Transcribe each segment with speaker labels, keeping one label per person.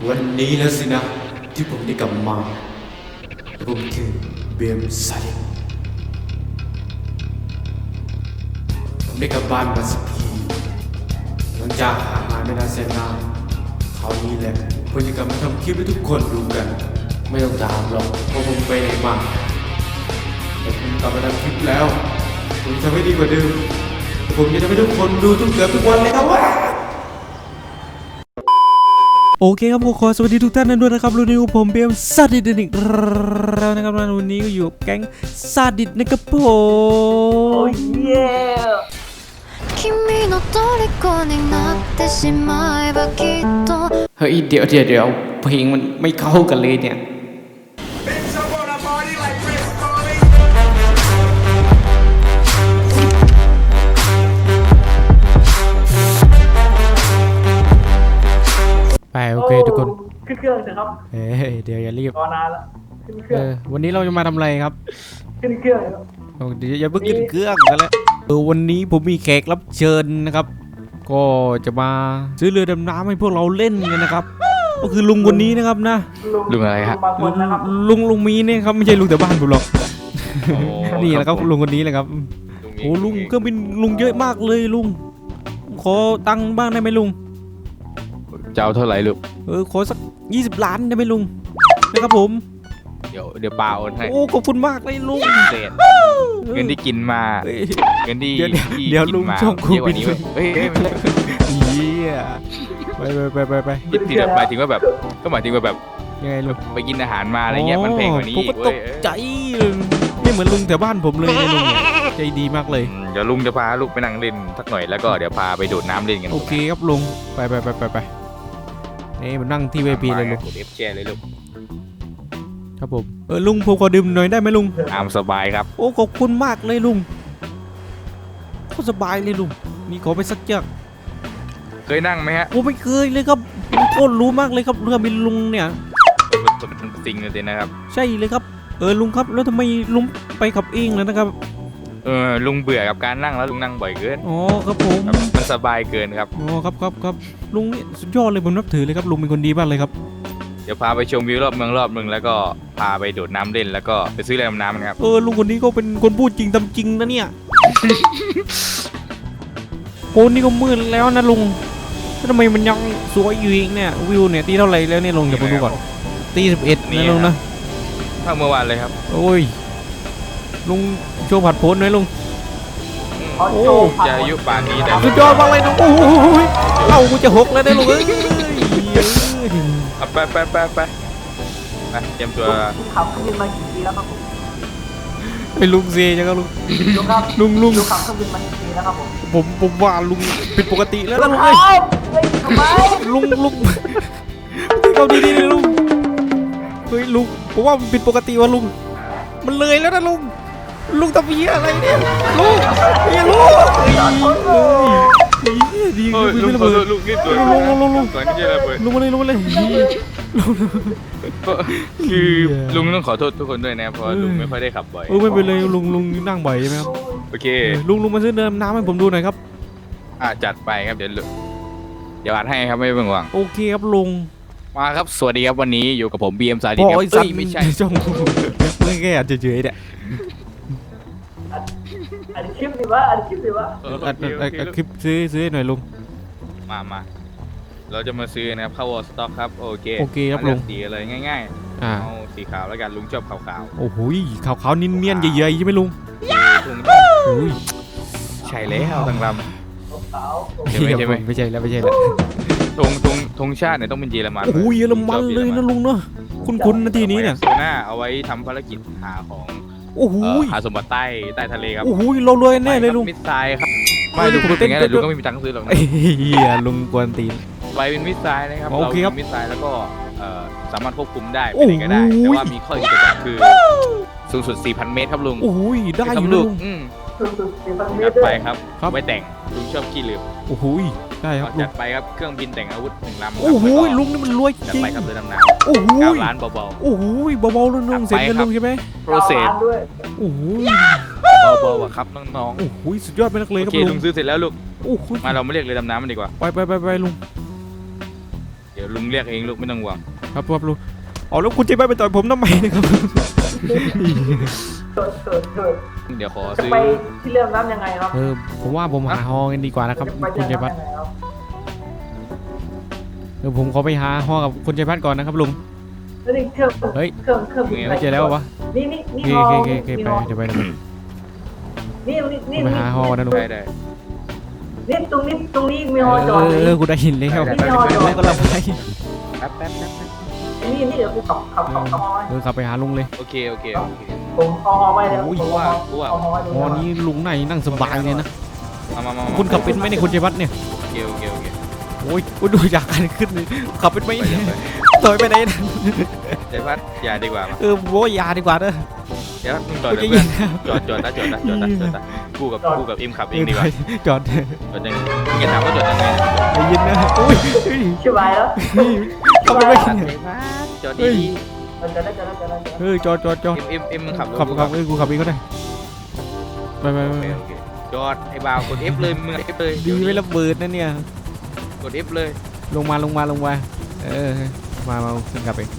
Speaker 1: วันนี้แล้วสินะที่ผมได้กลับมาผมคือเบมไซผมได้กลับบ้านมาสักทีหลังจากห่างหายไม่นานแสนนานคราวนี้แหละผมจะกลับมาทำคลิปให้ทุกคนดูกันไม่ต้องถามหรอกว่าผมไปไหนมาแต่ผมกลับมาทำคลิปแล้วผมจะทำให้ดีกว่าเดิมผมจะทำให้ทุกคนดูเกือบทุกวันเลยครับว่าโอเคครับขอสวัสดีทุกท่านด้วยนะครับวันนี้ผมเบมซาดิสอีกแล้วนะครับวันนี้ก็อยู่แก๊งซาดิสนะครับผมโอ้ยเฮ้ยเดี๋ยวเพลงมันไม่เข้ากันเลยเนี่ยไปโอเคทุกคน
Speaker 2: ขึ้นเครื่องเถอะครับ
Speaker 1: เดี๋ยวอย่ารีบ
Speaker 2: รอนานแล้วขึ้นเครื่อง
Speaker 1: วันนี้เราจะมาทำอะไรครับ
Speaker 2: ขึ้นเครื่อง
Speaker 1: เดี๋ยวอย่าเพิ่งขึ้นเครื่องกันแล้ววันนี้ผมมีแขกรับเชิญนะครับก็จะมาซื้อเรือดำน้ำให้พวกเราเล่นกันนะครับก็คือลุงคนนี้นะครับนะ
Speaker 3: ลุงอะไรฮะ
Speaker 1: ลุงมีเนี่ยครับไม่ใช่ลุงแต่บ้านผมหรอกนี่แหละครับลุงคนนี้เลยครับโอ้ลุงก็เป็นลุงเยอะมากเลยลุงขอตังค์บ้างได้ไหมลุง
Speaker 3: จะเอาเท่าไหร่ลูก
Speaker 1: ขอสัก20 ล้านได้ไหมลุงนะครับผม
Speaker 3: เดี๋ยวปาโอนให้
Speaker 1: โอ้ขอบคุณมากเลยลุง
Speaker 3: เงินที่กินมาเงินที่
Speaker 1: เดี๋ยวลุงช่องคูบิน
Speaker 3: เฮ้ย
Speaker 1: ไป
Speaker 3: ที่แบบหมายถึงว่าแบบก็หมายถึงว่าแบบ
Speaker 1: ยังไงลุง
Speaker 3: ไปกินอาหารมาอะไรเงี้ยมันแพงกว่านี้
Speaker 1: ผมก็ตกใจไม่เหมือนลุงแถวบ้านผมเลยลุงใจดีมากเลย
Speaker 3: เดี๋ยวลุงจะพาลูกไปนั่งเล่นสักหน่อยแล้วก็เดี๋ยวพาไปโดดน้ำเล่นกัน
Speaker 1: โอเคครับลุงไปนี่มันนั่งที่เวทีเลยลุง
Speaker 3: เอฟแชร์เลยลุง
Speaker 1: ครับผมลุงผมขอดื่มหน่อยได้ไหมลุง
Speaker 3: ตามสบายครับ
Speaker 1: โอ้ขอบคุณมากเลยลุงโคตรสบายเลยลุงมีขอไปสักเจือก
Speaker 3: เคยนั่งไหมฮะ
Speaker 1: โอ้ไม่เคยเลยครับโคตรรู้มากเลยครับเรือบินลุงเนี่ย
Speaker 3: เป็นจริงเลยนะครับ
Speaker 1: ใช่เลยครับลุงครับแล้วทำไมลุงไปขับเองเลยนะครับ
Speaker 3: ลุงเบื่อกับการนั่งแล้วลุงนั่งบ่อยเกิน
Speaker 1: อ๋อครับผม
Speaker 3: มันสบายเกินครับ
Speaker 1: อ๋อครับลุงนี่สุดยอดเลยผมนับถือเลยครับลุงเป็นคนดีมากเลยครับ
Speaker 3: เดี๋ยวพาไปชมวิวรอบเมืองรอบนึงแล้วก็พาไปโดดน้ำเล่นแล้วก็ไปซื้อเรือดำน้ำนะครับ
Speaker 1: ลุงคนนี้ก็เป็นคนพูดจริงทำจริงนะเนี่ยโอ้นี่ก็มืดแล้วนะลุงทำไมมันยังสวยอยู่อีกเนี่ยวิวเนี่ยตีเท่าไหร่แล้วเนี่ยลุงเดี๋ยวผมดูก่อนตี11นะลุงนะ
Speaker 3: เท่าเมื่อวานเลยครับ
Speaker 1: โอ้ยลุงโชว์ผัดโผล่หน่อยลุง
Speaker 3: โอ้จะอายุป่านนี้แต่
Speaker 1: สุดยอดมากเลยลุงโอ้ยเรากูจะหกแล้วเนี่ยลุง
Speaker 3: ไปเตรียมตัว
Speaker 2: ขับเครื่องบินมากี่ปีแล้วครับผม
Speaker 1: ไอ้ลุงเซ่จังครับลุง
Speaker 2: ขับเครื่องบินมากี่ปีแล้วครับ
Speaker 1: ผมว่าลุงผิดปกติแล้วนะลุงเอ้ยลุงเขาดีเลยลุงเฮ้ยลุงผมว่ามันผิดปกติว่ะลุงมันเลยแล้วนะลุงทำเหี้ยอะไรเนี่ยลุงดี
Speaker 3: ลุง
Speaker 1: ไม่ระเบิด
Speaker 3: ลุงนี่ตัวลุง
Speaker 1: มาเลย
Speaker 3: คือลุงต้องขอโทษทุกคนด้วยนะเพราะลุงไม่ค่อยได้ขับบ่อย
Speaker 1: ไม่เป็นไรลุงนั่งบ่อยใช่ไหมครับ
Speaker 3: โอเค
Speaker 1: ลุงมาซื้อเดิมน้ำให้ผมดูหน่อยครับ
Speaker 3: จัดไปครับเดี๋ยวอัดให้ครับไม่เป็นห่วง
Speaker 1: โอเคครับลุง
Speaker 3: มาครับสวัสดีครับวันนี้อยู่กับผมบีเอ็มซาดิ
Speaker 1: ครับไม่ใช่ช่องไม่แค่อาจจะเฉยๆเนี่ย
Speaker 2: อัดคลิปดีวะอัดคลิป
Speaker 1: ซื้อหน่อยลุง
Speaker 3: มาเราจะมาซื้อนะครับเข้าวอลสต็อกครับโอเค
Speaker 1: ครับลุง
Speaker 3: สีอะไรง่ายๆเอาสีขาวแล้วกันลุงชอบขาว
Speaker 1: โอ้โหขาวๆเนียนๆใหญ่ๆใช่ไหมลุง
Speaker 3: ใช่แล้วทั้งลำ
Speaker 1: ไม่ใช่แล้ว
Speaker 3: ธงชาติเนี่ยต้องเป็นเยอรมัน
Speaker 1: โอ้ยเยอรมันเลยนะลุงเนาะคุ้นๆนาทีนี้เนี่ย
Speaker 3: หน้าเอาไว้ทำภารกิจหาของหาสมบัติใต้ทะเลครับ
Speaker 1: โอ้โหเรารวยแน่เลยลุง
Speaker 3: มิสไซล์ครับไม่ลุงพูดอย่างนั้นลุงก็ไม่มีตังค์ซื้อหรอก
Speaker 1: ลุงกวนตีน
Speaker 3: ไว้เป็นมิสไซล์นะครับเราเป็นมิสไซล์แล้วก็สามารถควบคุมได้ไปไหนก็ได้แต่ว่ามีข้อจำกัดคือสูงสุด 4,000 เมตรครับลุง
Speaker 1: โอ้ยได้อยู่ลุง
Speaker 3: จัดไปครับไว้แต่งลุงชอบขี้ลืม
Speaker 1: โอ้โหได้ครับ
Speaker 3: จัดไปครับเครื่องบินแต่งอาวุธ1 ลำ
Speaker 1: โอ้โหลุงนี่มันรวยจริง
Speaker 3: จัดไปครับเรือดำน้ำ
Speaker 1: โอ้โห
Speaker 3: 9 ล้านเบา
Speaker 1: ๆโอ้โหเบาๆลุงเสร็จกันลุงใช่ไหม
Speaker 3: โปรเซส
Speaker 1: โอ้โห
Speaker 3: เบาๆครับน้อง
Speaker 1: ๆโอ้โหสุดยอดไปนักเลยครับ
Speaker 3: ลุงซื้อเสร็จแล้วลูก
Speaker 1: โอ้โห
Speaker 3: มาเราไม่เรียกเรือดำน้ำมันดีกว่า
Speaker 1: ไปลุง
Speaker 3: เดี๋ดี๋ยวลุงเรียกเองลูกไม่ต้องห่วง
Speaker 4: ครับลุงอ๋อแล้วคุณจะไปต่อยผมทำไมนะครับ
Speaker 2: เกิด
Speaker 3: เดี๋ยวขอ
Speaker 2: จะ
Speaker 3: ซื้อ
Speaker 2: ไปที่เรื่องน้ำยังไงครับ
Speaker 4: ผมว่าผมหาฮอกันดีกว่านะครับ
Speaker 2: จะไป
Speaker 4: คุณ
Speaker 2: ที่
Speaker 4: ชัย
Speaker 2: เรื่
Speaker 4: พั
Speaker 2: อง
Speaker 4: ฒน์
Speaker 2: น้ำยังไงครับ
Speaker 4: ผมขอไปหาฮอกับคุณชัยพัฒน์ก่อนนะครับลุง
Speaker 2: แล้วนี่เครื่อง
Speaker 4: เฮ้ย
Speaker 2: เครื่อง
Speaker 4: ไม่เจอแล้ววะ
Speaker 2: นี่
Speaker 4: โอ
Speaker 2: ฮอ
Speaker 4: เคไปเดี๋ยวไป
Speaker 2: นี่
Speaker 4: ไปหาฮอนะลุง
Speaker 3: ได้
Speaker 2: นี่ตรงนี้มีฮอจอด
Speaker 4: กูได้ยินแล้ว
Speaker 2: มีฮอจอด
Speaker 4: แล้วก็เราไป
Speaker 3: แป๊บ
Speaker 2: นี่เดี๋ยวกูขับฮอไว้
Speaker 4: ขับไปหาลุงเลย
Speaker 3: โอเค
Speaker 2: ผมฮอไว้แล้ว
Speaker 3: กูว่า
Speaker 2: ฮอไว้
Speaker 4: ฮอนี้ลุงไหนนั่งสบายเลยนะ
Speaker 3: มา
Speaker 4: คุณขับเป็นไหมเนี่ยคุณชัยพัฒน์เนี่ย
Speaker 3: โอเค
Speaker 4: โอ้ยดูจากการขึ้นเลยขับเป็นไหม
Speaker 3: ไป
Speaker 4: เนี่ย
Speaker 3: ไป
Speaker 4: ต่อยไปไหนนะ
Speaker 3: เดี๋ยวพัดอย่าดีกว่ามา
Speaker 4: โว้ยยาดีกว่าเด้อ
Speaker 3: เดี๋ยวมึงจอด
Speaker 4: กู
Speaker 3: เลย
Speaker 4: จะ
Speaker 3: เพื่
Speaker 4: ยิ
Speaker 3: อน
Speaker 4: น
Speaker 3: จอดกูกับเอ็มขับเองดีกว่า
Speaker 4: จอด
Speaker 3: จอดยังมึงจะถามว่าจอดยังไง
Speaker 4: ได้ยินนะอุ้ย
Speaker 2: ชิบหายแล้ว
Speaker 4: ขับเป็นไหม
Speaker 3: จอดดี
Speaker 2: จะได้
Speaker 4: จอด
Speaker 3: เอ็มมึงขับ
Speaker 4: กูขับเองก็ได้ไป
Speaker 3: จอดไอ้บ่าวกด F เลยมึง F เลย
Speaker 4: ดีไม่ระเบิดนะเนี่ย
Speaker 3: กด F เลย
Speaker 4: ลงมามาขึ้นกลับเอง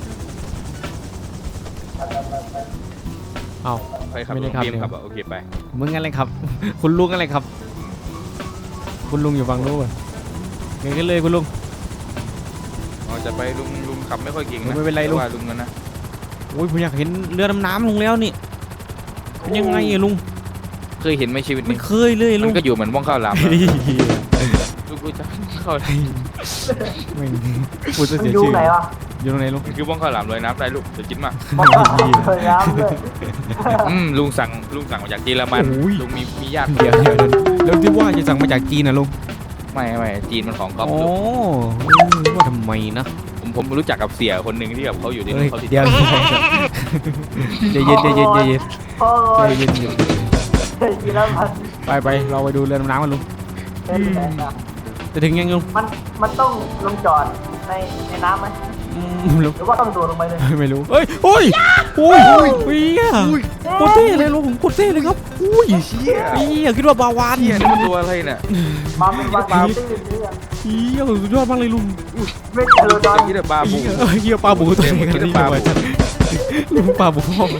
Speaker 4: เอา
Speaker 3: ใครขับ
Speaker 4: ไม่ได้ขับ
Speaker 3: เอ็มขับโอเคไป
Speaker 4: มึงอะไรครับ คุณลุงอะไรครับ คุณลุงอยู่ฝั่งนู้นเก่งกันเลยคุณลุง
Speaker 3: จะไปลุงขับไม่ค่อยเก่งนะ
Speaker 4: ไม่เป็นไรลุง
Speaker 3: ว่าลุงกันนะ
Speaker 4: โอ้ยผมอยากเห็นเรือดำน้ำลุงแล้วนี่เป็นยังไงอะลุง
Speaker 3: เคยเห็นไหมชีวิต
Speaker 4: ไม่
Speaker 3: นี้
Speaker 4: เคยเลยลุ
Speaker 3: มั
Speaker 4: ง
Speaker 3: นก็อยู่เหมือนว่องข้าวหลามลูกจะเข้า
Speaker 4: ไม่พูดจะ
Speaker 2: มัน
Speaker 4: เสีย
Speaker 2: อยู่
Speaker 4: ชื่อ
Speaker 2: ไหนวะ
Speaker 4: อยู่ตรงไหนลุง
Speaker 3: คือว่องข้าวหลามลอยน้ำได้ลูกเดี๋ยวกินมา
Speaker 2: บอกเคยน้ำเลย
Speaker 3: ลุงสั่งมาจากเยอรมันลุงมีญาติ
Speaker 4: เดี๋ยวแล้วที่ว่าจะสั่งมาจากจีนนะลุง
Speaker 3: ไม่จีนมันของก๊อฟ
Speaker 4: โอ้
Speaker 3: ลูก
Speaker 4: ว่าทำไมนะ
Speaker 3: ผมรู้จักกับเสี่ยคนหนึ่งที่แบบเขาอยู่ใน
Speaker 4: เฮ้ย
Speaker 3: เขาติด
Speaker 4: เดี๋ยวใจเย็น
Speaker 2: โอ้ย
Speaker 4: ใจเย็น
Speaker 2: กินแล้วมัน
Speaker 4: ไปเราไปดูเรือดำน้ำกันลุง
Speaker 2: เป็นแสนอะ
Speaker 4: จะถึงยังลุง
Speaker 2: มันต้องลงจอดในน้ำไหม
Speaker 4: ลุง
Speaker 2: หรือว่าต้องโดดลงไปเลย
Speaker 4: ไม่รู้เฮ้ยโอ้ยเฮียโคตรเท่เลยลุงผมโคตรเท่เลยครับอุ้ย
Speaker 3: เชี่ย
Speaker 4: เฮียคิดว่าบาวาน
Speaker 3: เชี่ยนี่มันตัวอะไรเนี่ย
Speaker 2: มาเป็นวันตื้นนี่อะ
Speaker 4: เฮียสุดยอดมากเลยลุง
Speaker 2: ไม่เจอตอน
Speaker 3: ยี่เดบาบู
Speaker 4: เฮียปลาบูตัวนี้กันนี่มาจัดลุงปลาบูพ่อ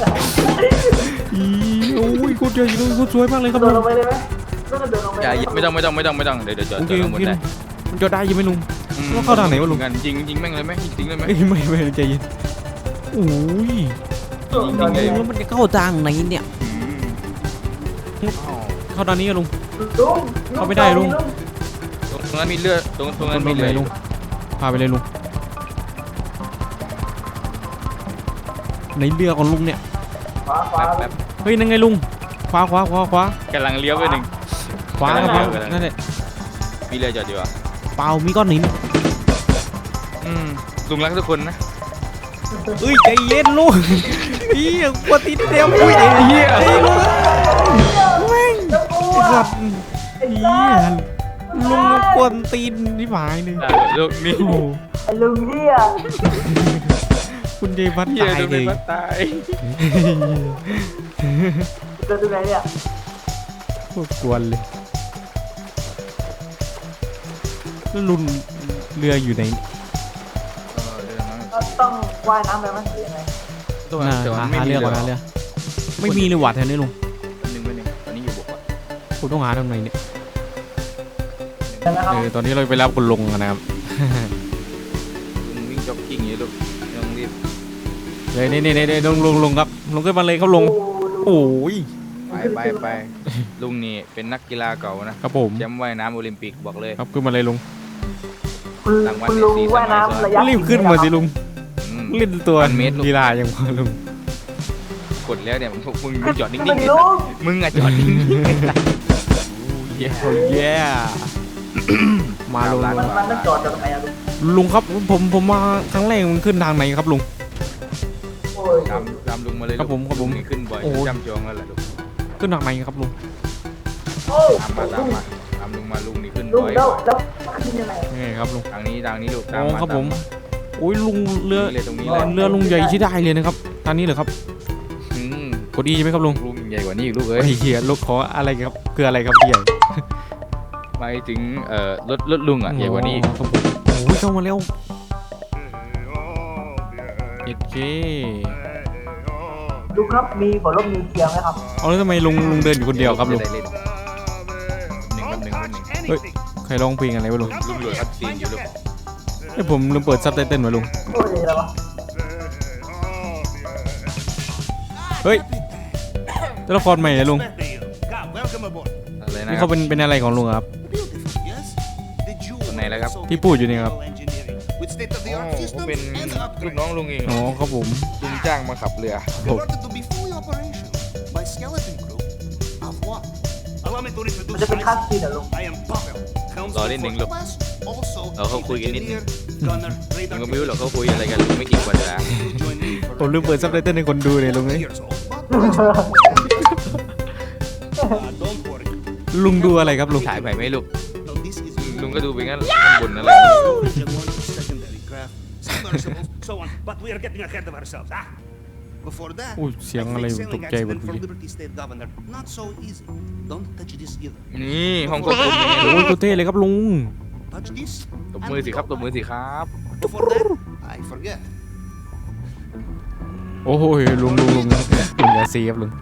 Speaker 4: โอ้ยโคตรใหญ่เลยโคตรสวยมากเลยครับ
Speaker 2: โด
Speaker 4: ลุ
Speaker 2: ด
Speaker 4: ง
Speaker 2: ลงไปเลยไหมต้องโดดลงไป
Speaker 3: อย่าไม่ต้องเดี๋ยวจอด
Speaker 4: โอเค
Speaker 3: ข้างบนได้
Speaker 4: มันจะได้ยังไหมลุง ว่าเข้าทางไหนวะลุง
Speaker 3: กันยิงแม่งเลยไหมยิงเลยไหม
Speaker 4: ไม่ใจเย็นโอ้ย แล้วมันจะเข้าทางไหนเนี่ยเข้าทางนี้อะลุง เข้าไม่ได้ลุง
Speaker 3: ตรงนั้นมีเลือดตรงนั้นมีเลือด
Speaker 4: ลุงพาไปเลยลุงไหนเรือของลุงเนี่ย
Speaker 2: ขวาขวา
Speaker 3: แป๊บ
Speaker 4: เฮ้ยนั่นไงลุงขวาก
Speaker 3: ำลังเลี้ยวไปหนึ่ง
Speaker 4: ขวาครับนั่นแหละ
Speaker 3: มีเรือจอดอยู่อ่ะ
Speaker 4: เปล่ามีก้อนหิน
Speaker 3: ลุงรักทุกคนนะ
Speaker 4: เอ้ยใจเย็นลุงเฮียกดติดเดียวอุ้ยไอ้เฮียไอ้ลุงแม่งไอ้สัตว์เฮียลุงกวนตีนที่หมายเลย
Speaker 3: ลูกนี่
Speaker 4: โอ้โห
Speaker 2: ลุงเฮีย
Speaker 4: คุณเดวัต
Speaker 3: เฮีย
Speaker 4: ตาย
Speaker 3: ดู
Speaker 4: เล
Speaker 3: เป็น
Speaker 4: ย
Speaker 3: ว่าตาย
Speaker 2: เจอตรงไหนเนี่ย
Speaker 4: โคตรกวนเลยแล้วลุนเรืออยู่ไหน
Speaker 2: ต้องว่ายน้ำไปไหมหรือยังไง
Speaker 3: ตัวนั้นแต่ว่าไม่
Speaker 4: หา
Speaker 3: มี
Speaker 4: เรือ
Speaker 3: เรือ
Speaker 4: ก่อนหาเรือไม่มีเลยหวัดแถวนี้ลุง
Speaker 3: หนึ่งตอนนี้อยู่บกอ่ะ
Speaker 4: ผมต้องหาตรงไหนเนี่ย
Speaker 2: เดี๋ยวนะครับ
Speaker 4: ตอนนี้เราไปรับคุณลุงกันนะครับ
Speaker 3: ลุงวิ่งจ็อกกิ้งอย่างนี้ลูกต้องรีบ
Speaker 4: เลยนี่ลุงครับลุงขึ้นมาเลยครับลุงโอ้ย
Speaker 3: ไปลุงนี่เป็นนักกีฬาเก่านะครับ
Speaker 4: ผม
Speaker 3: แชมป์ว่ายน้ำโอลิมปิกบอกเลย
Speaker 4: ครับขึ้นมาเลยลุง
Speaker 2: คุณลุงว่ายน้ำระยะ
Speaker 4: รีบขึ้นมาสิลุง
Speaker 3: อืม
Speaker 4: เล่นตัว
Speaker 3: พันเมตรลูก
Speaker 4: กีฬาอย่างพอลุง
Speaker 3: กดแล้วเนี่ยมึงจอดนิ่ง
Speaker 2: ขึ้น
Speaker 3: ๆ
Speaker 2: ลุง
Speaker 3: มึงอะจอดนิ่ง
Speaker 4: เย้มาลุง
Speaker 2: มันต้องจอดจากตรงไหนอะลุง
Speaker 4: ลุงครับผมมาครั้งแรกมันขึ้นทางไหนครับลุง
Speaker 2: โอ้ย
Speaker 3: ตามลุงมาเลย
Speaker 4: ครับผม
Speaker 3: ลุงนี่ขึ้นบ่อย
Speaker 4: โอ้
Speaker 3: จำจองแล้วแหละลูก
Speaker 4: ขึ้นทางไหนครับลุง
Speaker 2: โอ้ย
Speaker 3: ตามลุงมาลุงนี่ขึ้น
Speaker 2: ลุง
Speaker 3: บ่อย
Speaker 2: แล้วขึ้นยังไง
Speaker 4: นี่ไงครับลุง
Speaker 3: ทางนี้ลูกตาม
Speaker 4: อ๋อ
Speaker 3: มา
Speaker 4: ครับผม
Speaker 3: ตาา
Speaker 4: โอ้ยลุงเรือ
Speaker 3: เลยตรงนี้เลย
Speaker 4: เรือลุงใหญ่ใช้ได้เลยนะครับทางนี้เหรอครับ
Speaker 3: อืม
Speaker 4: กดดีใช่ไหมครับลุง
Speaker 3: ลุงใหญ่กว่านี้อีกลูกเอ้ย
Speaker 4: ไอ้เหี้ยลูกขออะไรครับคืออะไรครับพี่ใหญ่
Speaker 3: ไปถึงรถลุงอ่ะใหญ่กว่านี้อีก
Speaker 4: ครับผมโอ้ยเข้ามาแล้วโอเค
Speaker 2: ลุงครับมีหัวลมนิวเคลียร์ไหมครับ
Speaker 4: เอาแล้วทำไมลุงเดินอยู่คนเดียวครับลุง
Speaker 3: ได้เล่นหนึ่งกับหนึ่งกับหนึ่ง
Speaker 4: เฮ้ยใครร้องเพลงอะไรวะลุง
Speaker 3: ลุงโหลดคัดซีนอยู่ลูก
Speaker 4: ไอ้ยผมลืมเปิดซับไตเติ้ลมาลุง
Speaker 2: โอ้ยอะไรวะ
Speaker 4: เฮ้ยตัวละครใหม่เลยลุง
Speaker 3: อะไรนะ
Speaker 4: นี่
Speaker 3: ครั
Speaker 4: เขา
Speaker 3: บ
Speaker 4: เป็นอะไรของลุงอะครับ
Speaker 3: คนไหนแล้วครับ
Speaker 4: ที่พูดอยู่นี่ครับ
Speaker 3: อ๋อเขาเป็นลูกน้องลุงเอง
Speaker 4: อ๋อครับผม
Speaker 3: ลุงจ้างมาขับเรือ
Speaker 2: มันจะเป็นคัสซีนเหรอลุง
Speaker 3: รอนิดนึงลูกเขาคุยกันนิดนึงลุงก็ไม่รู้หรอกเขาคุยอะไรกันลุงไม่กี่วันแล้ว
Speaker 4: ผมลืมเปิดซับไตเติ้ลให้คนดูเลยลุงเลยลุงดูอะไรครับลุง
Speaker 3: ถ่ายไปไหมลูกลุงก็ดูไปงั้นบนอะไร
Speaker 4: อุ้ยเสียงอะไรตกใจหมดเลย
Speaker 3: นี่ห้องควบคุมยังไง
Speaker 4: โอ้ยโคตรเท่เลยครับลุง
Speaker 3: ตบมือสิครับตบมือสิครับ
Speaker 4: โอ้ยลุงอย่าเสียบลุง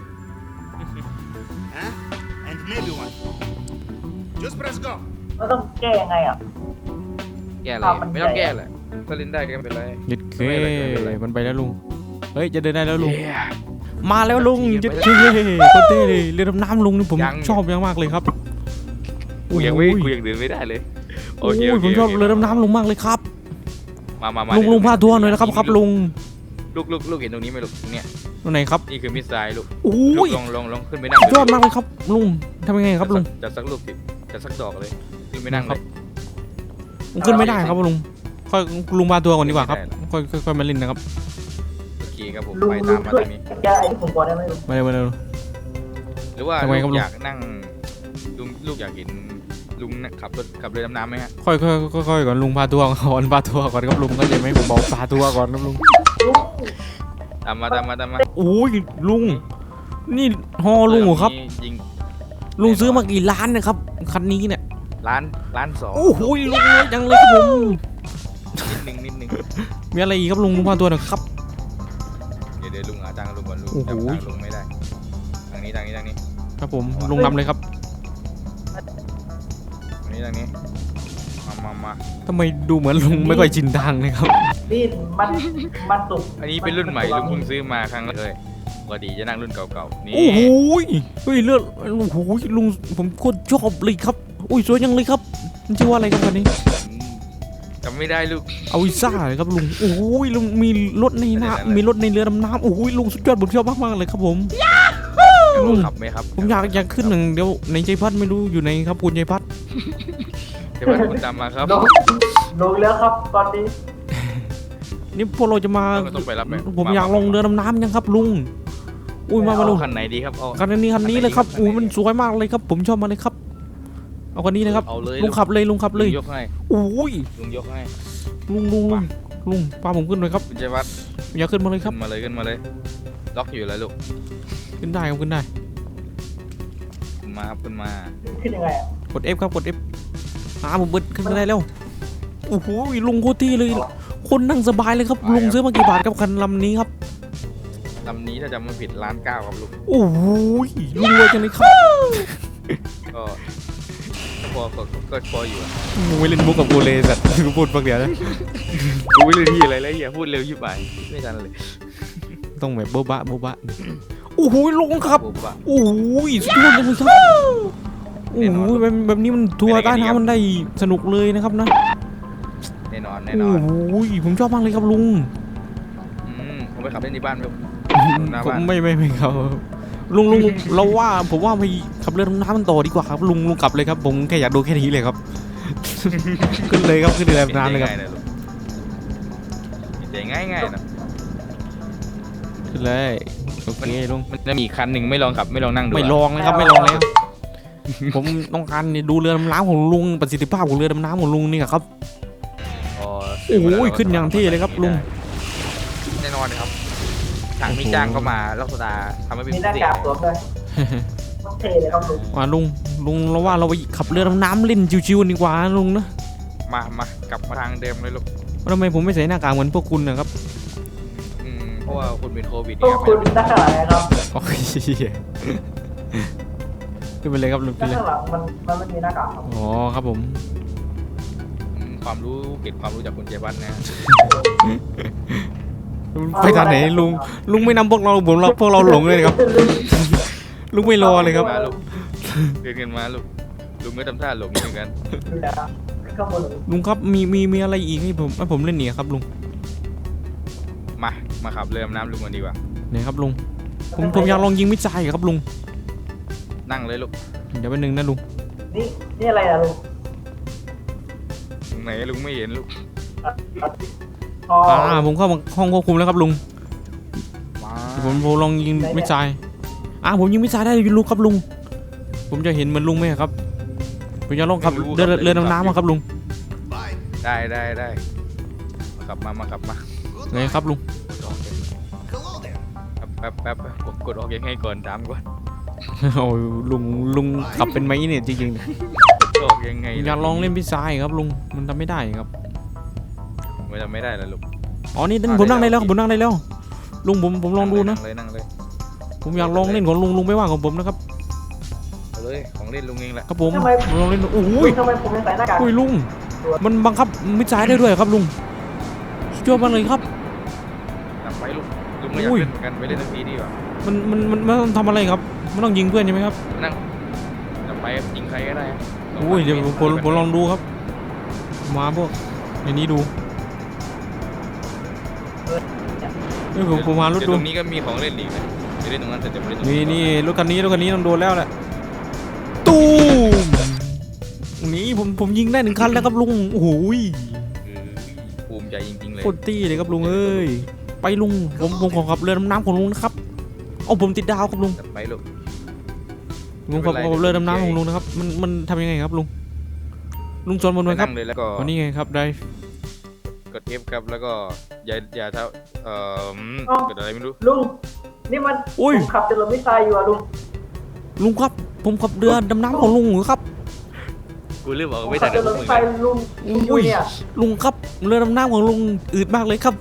Speaker 2: เราต้องแก้ยังไงอ่ะ
Speaker 3: แก้อะไรไม่ต้องแก้แหละถ้าเล่นได้ก็ไม่เป็นไร
Speaker 4: ยึดเค
Speaker 3: ไม่เป็นไร
Speaker 4: มันไปแล้วลุงเฮ้ยจะเดินได้แล้วลุงมาแล้วลุงยึดเคโคตรเท่เลยเรือดำน้ำลุงนี่ผมชอบมากเลยครับ
Speaker 3: กูยังเดินไม่ได้เลยโอเค
Speaker 4: ผมชอบเรือดำน้ำลุงมากเลยครับ
Speaker 3: มา
Speaker 4: ลุงพาทัวร์หน่อยนะครับลุง
Speaker 3: ลูกเห็นตรงนี้ไหมลูกเนี่ย
Speaker 4: ตรงไหนครับ
Speaker 3: นี่คือมิสไซล์ลูก
Speaker 4: โอ้
Speaker 3: ลูก
Speaker 4: ย
Speaker 3: ลองขึ้นไปนั่ง
Speaker 4: ยอดมากเลยครับลุงทำยังไงครับลุง
Speaker 3: จัดสักลูกจัดสักดอกเลยขึ้นไปนั่งเลย
Speaker 4: ผมขึ้นไม่ได้ครับลุงค่อยลุงพาทัวร์ก่อนดีกว่าครับค่อยมาเล่นนะครับ
Speaker 3: โอเคครับผม
Speaker 2: ลุง
Speaker 3: ไป
Speaker 2: ลุ
Speaker 3: ตาง มมา
Speaker 2: ช่วย
Speaker 3: ทางนี้
Speaker 2: แก้ไอ้ที่ผมบอกได้ไหมลุง
Speaker 4: มาเร็ว
Speaker 3: หรือว่า
Speaker 4: ทำไมครับ
Speaker 3: ลู
Speaker 4: ลุง
Speaker 3: กอยากนั่งลูกอยากเห็นลุงขับเรือดำน้ำไหมฮะ
Speaker 4: ค่อยก่อนลุงพาทัวร์ก่อนพาทัวร์ก่อนครับลุงก็จะไหมผมบอกพาทัวร์ก่อนครับลุง
Speaker 2: ลุง
Speaker 3: ตามมา
Speaker 4: โอ้ยลุงนี่ฮอลุงเหรอครับ
Speaker 3: ยิง
Speaker 4: ลุงซื้อมากี่ล้านนะครับคันนี้เนี่ย
Speaker 3: ล้านสอง
Speaker 4: โอ้โหลุงรวยจังเลยครับผม
Speaker 3: นิดนึง
Speaker 4: มีอะไรอีกครับลุงพาทัวร์หน่อยครับ
Speaker 3: เดี๋ยวลุงหาตังค์ลุงก่อนลุง
Speaker 4: โอ้โห
Speaker 3: จำตังค์ลุงไม่ได้ทางนี้
Speaker 4: ครับผมลุงนำเลยครับ
Speaker 3: ทางนี้มา
Speaker 4: ทำไมดูเหมือนลุงไม่ค่อยชินทางเลยครับ
Speaker 2: นี่มันสุก
Speaker 3: อันนี้เป็นรุ่นใหม่ลุงเพิ่งซื้อมาครั้งแรกเลยปกติจะนั่งรุ่นเก่าๆนี่
Speaker 4: โอ้โหเฮ้ยเลือดโอ้โหลุงผมโคตรชอบเลยครับอุ้ยสวยจังเลยครับมันชื่อว่าอะไรครับคันนี้
Speaker 3: จำไม่ได้ลูก
Speaker 4: เอาวิซ่าเลยครับลุงโอ้โหลุงมีรถในน้ำมีรถในเรือดำน้ำโอ้โหลุงสุดยอดผมชอบมากๆเลยครับผมลุง
Speaker 3: ขับไหมครับ
Speaker 4: ผมอยากขึ้นหนึ่งเดี๋ยวในใจพัดไม่รู้อยู่ไหนครับคุณใจพัด
Speaker 3: เดี๋ยวคุณตามมาครับ
Speaker 2: ลงแล้วครับตอนนี้
Speaker 4: นี่พวกเราจะมา
Speaker 3: ต้องไปรับไหม
Speaker 4: ผมอยากลงเรือดำน้ำยังครับลุงอุ้ยมาลุง
Speaker 3: คันไหนดีครับเอา
Speaker 4: คันนี้เลยครับอุ้ยมันสวยมากเลยครับ ผมชอบมาเลยครับเอาคันนี้นะครับ
Speaker 3: เอาเลย
Speaker 4: ลุงขับเลยลุงขับเลย
Speaker 3: ยกให้
Speaker 4: โอ้ย
Speaker 3: ลุงยกให้
Speaker 4: ลุงพาผมขึ้นหน่อยครับ
Speaker 3: คุณชัยวัฒน์
Speaker 4: อย่าขึ้นมาเลยค
Speaker 3: ขึ้
Speaker 4: รับ
Speaker 3: นมาเลยล็อกอยู่แล้วลูก
Speaker 4: ขึ้นได้ครับขึ้นได้
Speaker 3: ขึ้นมาครับขึ้นมา
Speaker 2: ขึ้นยังไงอ่ะ
Speaker 4: กด F ครับกด F ผมเบิดขึ้นมาได้แล้วโอ้โหลุงโคตรที่เลยคนนั่งสบายเลยครับลุงซื้อมากี่บาทครับคันลำนี้ครับ
Speaker 3: ลำนี้ถ้าจำไม่ผิด1.9 ล้านครับลูก
Speaker 4: โอ้โหลุงรวยจังเลยครับ
Speaker 3: ก็พออยู่อะ
Speaker 4: มึงไม่เล่นมุกกับกูเลยสัตว์กูพูดปากเดียวนะ
Speaker 3: กูไม่รู้ที่อะไรแล้วอย่าพูดเร็วยิ่งไปไม่ทันเลย
Speaker 4: ต้องแบบโบ๊ะบะโอ้โหลุงครับ
Speaker 3: ปุ๊บอะ
Speaker 4: โอ้โหสุดยอดเลยครับโอ้โหแบบนี้มันทัวร์ใต้น้ำมันได้สนุกเลยนะครับนะ
Speaker 3: แน่นอน
Speaker 4: โอ้โหผมชอบมากเลยครับลุง
Speaker 3: ผมไปขับเล่นที่บ้านลูก หน้า
Speaker 4: ผม
Speaker 3: บ้าน
Speaker 4: ไม่ครับลุงเราว่าผมว่าไปขับเรือดำน้ำมันต่อดีกว่าครับลุงกลับเลยครับผมแค่อยากดูแค่นี้เลยครับ ขึ้นเลยครับขึ้นเรือดำน้ำเลยครับ
Speaker 3: ง่ายนะ
Speaker 4: ขึ้นเลยโอเคลุง
Speaker 3: มันจะมีคันหนึ่งไม่ลองขับไม่ลองนั่งดู
Speaker 4: ไม่ลองเลยครับไม่ลองเลยครับผมต้องการดูเรือดำน้ำของลุงประสิทธิภาพของเรือดำน้ำของลุงนี่ครับ โอ้โหขึ้นอย่างเท่เลยครับลุง
Speaker 3: แน่นอนครับทางที่จ้างเข้ามาลักษณะทำให้เป็น
Speaker 2: มี
Speaker 3: พิ
Speaker 2: หน้า
Speaker 3: เศษ
Speaker 2: กากสวมด้วยต้องเทเลยครับลุง
Speaker 4: ว่าลุงเราว่าเราไปขับเรือดำน้ำเล่นชิวๆดีกว่าลุงนะ
Speaker 3: กลับมาทางเดิมเลยลูก
Speaker 4: ทำไมผมไม่ใส่หน้ากากเหมือนพวกคุณนะครับ
Speaker 3: เพราะว่าคุณเป็นโควิด
Speaker 2: พวกคุณด้านข้างหลังนะครับ
Speaker 4: โอเคขึ้นไปเลยครับลุงขึ้
Speaker 2: ด้าน
Speaker 4: นเลย
Speaker 2: ข้างหลังมันไม่มีหน้ากากครับ
Speaker 4: อ๋อครับผม
Speaker 3: ความรู้เก็บความรู้จากคุณเจวันนะ
Speaker 4: ไปทางไหนลุงไม่นำพวกเราพวกเราหลงเลยครับลุงไม่รอเลยครับ
Speaker 3: มาลูกเดินกันมาลูกลุงก็ทำท่าหลงเหมือนกัน
Speaker 2: ดูนะครับข้างบน
Speaker 4: ลุงครับมีอะไรอีกให้ผมเล่นเนี่ยครับลุง
Speaker 3: มาขับเรือดำน้ำลุงกันดีกว่า
Speaker 4: ไหนครับลุงผมอยากลองยิงมิสไซล์ครับลุง
Speaker 3: นั่งเลยลูก
Speaker 4: เดี๋ยวแป๊บนึงนะลุง
Speaker 2: นี่อะไรอะลุง
Speaker 3: ไหนลุงไม่เห็นลูก
Speaker 2: อ๋อ
Speaker 4: ผมเข้าห้องควบคุมแล้วครับลุง
Speaker 3: มา
Speaker 4: ผมลองยิงมิสไซล์ผมยิงมิสไซล์ได้ลุงครับลุงผมจะเห็นเหมือนลุงไหมครับผมจะลองขับเรือดำน้ำมาครับลุง
Speaker 3: ได้มาขับมา
Speaker 4: ไงครับลุง
Speaker 3: แป๊บกดออกยังไงก่อนถามก่อน
Speaker 4: โอ้ยลุงขับเป็นไหมเนี่ยจริง
Speaker 3: กดออกยังไง
Speaker 4: ๆอยากลองเล่นมิสไซล์ครับลุงมันทำไม่ได้ครับ
Speaker 3: ไม่ทำไม่ได้แล้วลูก
Speaker 4: อ๋อนี่ผมนั่งได้แล้วผมนั่งได้แล้วลุงผมลองดูนะ
Speaker 3: นั่งเลย
Speaker 4: ผมอยากลองเล่นของลุงไม่ว่าของผมนะครับ
Speaker 3: เอาเลยของเล่นลุงเองแหละ
Speaker 4: ครับผมลองเล่นโอ้ย
Speaker 2: ทำไมผมยังใส่หน้ากาก
Speaker 4: อุ้ยลุงมันบังคับมิดซ้ายได้ด้วยครับลุงสุดยอดมากเลยครับ
Speaker 3: นำไปลุงไม่อยากเล่นเหมือนกันไปเล่นทันทีดีกว่า
Speaker 4: มันต้องทำอะไรครับมันต้องยิงเพื่อนใช่ไหมครับ
Speaker 3: นั่งนำไปยิงใครก็ได้
Speaker 4: อุ้ยเดี๋ยวผมลองดูครับมาพวกในนี้ดูผมมารถ
Speaker 3: ต
Speaker 4: ดู
Speaker 3: รงนี้ก็มีของเล่นอีกนะจะเล่นตรงนั้นแต่จะไม่เล่นตรง
Speaker 4: นี่รถคันนี้ต้องโดนแล้วแหละตูมนี่ผมยิงได้1 คันแล้วครับลุงโอ้โห
Speaker 3: ภูมิใจจริงๆเลย
Speaker 4: โคตรตี้เลยครับลุงเอ้ยไปลุงผมขอขับเรือดำน้ำของลุงนะครับเอาผมติดดาวครับลุง
Speaker 3: ไปลูก
Speaker 4: ลุงขับเรือดำน้ำของลุงนะครับมันทำยังไงครับลุงชนบนไหมครับ
Speaker 3: นั่งเลยแล้วก็
Speaker 4: วันนี้ไงครับได้
Speaker 3: กด F ครับแล้วก็อย่าเท่าเกิดอะไรไม่รู้
Speaker 2: ลุงนี่มันผมขับจรวดมิสไซล์อยู่อะลุง
Speaker 4: ครับผมขับเรือดำน้ำของลุงครับ
Speaker 3: กูลืมบอก
Speaker 2: ผม
Speaker 3: ไม่
Speaker 2: ขั
Speaker 3: ทั
Speaker 2: บ
Speaker 3: น
Speaker 2: จรวดมิสไซล์ลุงอยู่เนี่ย
Speaker 4: ลุงครับเรือดำน้ำของลุงอืดมากเลยครับ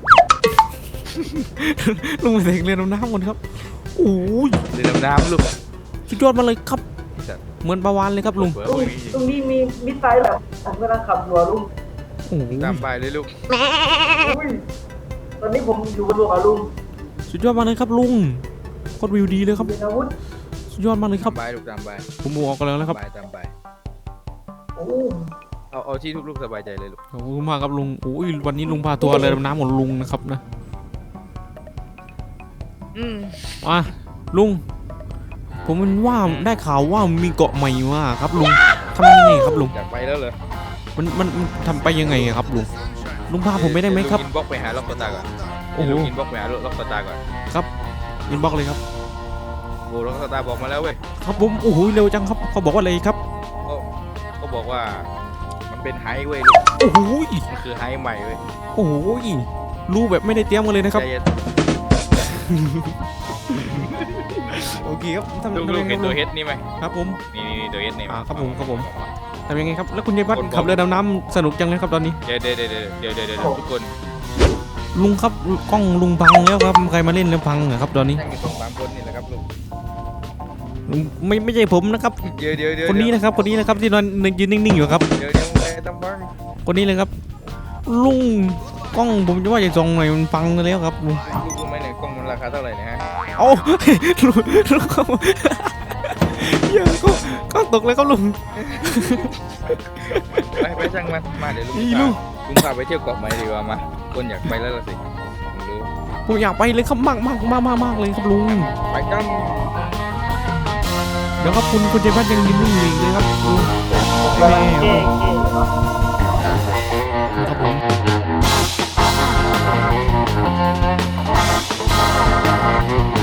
Speaker 4: ลุงไปเสกเรือดำน้ำก่อนครับโอ้ย
Speaker 3: เรือดำน้ำลูก
Speaker 4: สุดยอดมาเลยครับเหมือนปลาวานเลยครับลุง
Speaker 2: ลุงนี่มีมิสไซล์แบบผมกำลังขับอยู่อะลุง
Speaker 4: โอ้โห
Speaker 3: ตามไปเลยลูก
Speaker 2: อุ้ยตอนนี้ผมอยู่บนเรืออะลุง
Speaker 4: สุดยอดมากเลยครับลุงโคตรวิวดีเลยครับ
Speaker 2: เป็นอาวุธ
Speaker 4: สุดยอดมากเลยครับ
Speaker 3: ตามไปลูกตามไป
Speaker 4: ผมออกกันแล้วนะครับ
Speaker 3: ตามไป
Speaker 2: โอ้
Speaker 3: เอาที่ลูกสบายใจเลยลูก
Speaker 4: ขอบคุณมากครับลุงโอ้ยวันนี้ลุงพาตัวเรือดำน้ำของลุงนะครับนะลุงผมมันว่าได้ข่าวว่ามีเกาะใหม่มาครับลุงทำยังไงครับลุง
Speaker 3: อยากไปแล้วเหรอ
Speaker 4: มันทำไปยังไงครับลุงพาผมไม่ได้ไหมครับ
Speaker 3: อินบ็อกไปหาล็อกสตาร์ก่อน
Speaker 4: โอ้โห
Speaker 3: อินบ็อกไปหาล็อกสตาร์ก่อน
Speaker 4: ครับอินบ็อกเลยครับ
Speaker 3: โอ้ล็อกสตาร์บอกมาแล้วเว้ย
Speaker 4: ครับผมโอ้โหเร็วจังครับเขาบอกว่าอะไรครับ
Speaker 3: เขาบอกว่ามันเป็นไฮเว้ยลูก
Speaker 4: โอ้โห
Speaker 3: มันคือไฮใหม่เว้ย
Speaker 4: โอ้โหรู้แบบไม่ได้เตรียมกันเลยนะครับ
Speaker 3: ใจเย็น
Speaker 4: โอเคครับทำ
Speaker 3: ลูก
Speaker 4: ยังไง
Speaker 3: เห็น
Speaker 4: ค
Speaker 3: ตั
Speaker 4: รั
Speaker 3: ว
Speaker 4: บ
Speaker 3: เฮดนี่ไหม
Speaker 4: ครับผม
Speaker 3: นี่ตัวเฮดนี่
Speaker 4: ครับผมทำยังไงครับแล้วคุณยายพัดขับเรือดำน้ำสนุกจังเลยครับตอนนี้
Speaker 3: เดี๋ยวทุกคน
Speaker 4: ลุงครับกล้องลุงพังแล้วครับใครมาเล่นแล้วพังเหรอครับตอนนี้
Speaker 3: นั่งอยู่สองสามคนนี่แหละครับลูก
Speaker 4: ลุงไม่ใช่ผมนะครับ
Speaker 3: เดี๋ยว
Speaker 4: คนนี้นะครับที่นอนยืนนิ่งๆอยู่ครับ
Speaker 3: เดี๋ยวไอ้ตั้มบัง
Speaker 4: คนนี้เลยครับลุงกล้องผมจะว่าจะส่องหน่อยมันพังแล้วครับลุง
Speaker 3: ลูกรู้ไหมเนี่ยกล้องมันราคาเท่าไหร่นะฮะ
Speaker 4: โอ้ ลุงครับเยังก็ตกเลยครับลุง
Speaker 3: ไปช่างมันมาเดี๋ยว
Speaker 4: นี่ลูก
Speaker 3: ลุงพาไปเที่ยวเกาะใหม่ดีกว่ามาคนอยากไปแล้วล่ะสิผมรู้
Speaker 4: ผมอยากไปเลยครับมากเลยครับลุง
Speaker 3: ไปกัน
Speaker 4: เดี๋ยวครับคุณเจพัดยังยืนนิ่งอยู่เลยครับลุง
Speaker 2: กำลังเก๋ๆอยู่เนาะ
Speaker 4: ครับผม